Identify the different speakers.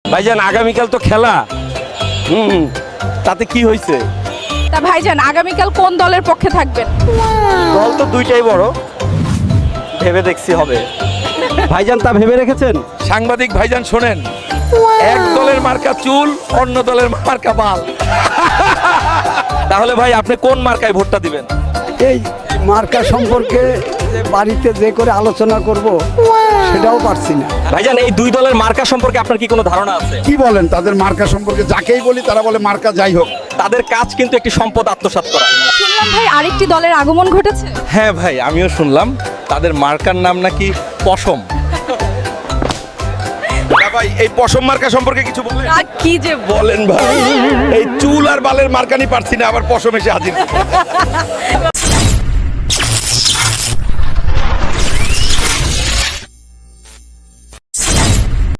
Speaker 1: ভাইজান আগামীকাল তো খেলা, তাতে কি হয়েছে?
Speaker 2: তা ভাইজান আগামীকাল কোন দলের পক্ষে থাকবেন?
Speaker 1: দল তো দুইটাই বড়, ভেবে দেখছি হবে। ভাইজান তা ভেবে রেখেছেন?
Speaker 3: সাংবাদিক ভাইজান শোনেন, এক দলের মার্কা চুল, অন্য দলের মার্কা বাল।
Speaker 1: তাহলে ভাই আপনি কোন মার্কায় ভোটটা দিবেন?
Speaker 4: এই মার্কা সম্পর্কে বাড়িতে যে করে আলোচনা করব সেটাও পারছি না।
Speaker 1: ভাইজান এই দুই দলের মার্কা সম্পর্কে আপনার কি কোনো ধারণা আছে?
Speaker 5: কি বলেন তাদের মার্কা সম্পর্কে? যাকেই বলি তারা বলে মার্কা যাই হোক।
Speaker 1: তাদের কাজ কিন্তু একটি সম্পদ আত্মসাৎ করা।
Speaker 2: শুনলাম ভাই আরেকটি দলের আগমন ঘটেছে।
Speaker 3: হ্যাঁ ভাই, আমিও শুনলাম তাদের মার্কার নাম নাকি পশম।
Speaker 5: ভাই এই পশম মার্কা সম্পর্কে কিছু বলেন।
Speaker 2: কি যে
Speaker 5: বলেন ভাই, এই চুল আর বালের মার্কা নিয়ে পারছি না, আবার পশম এসে হাজির।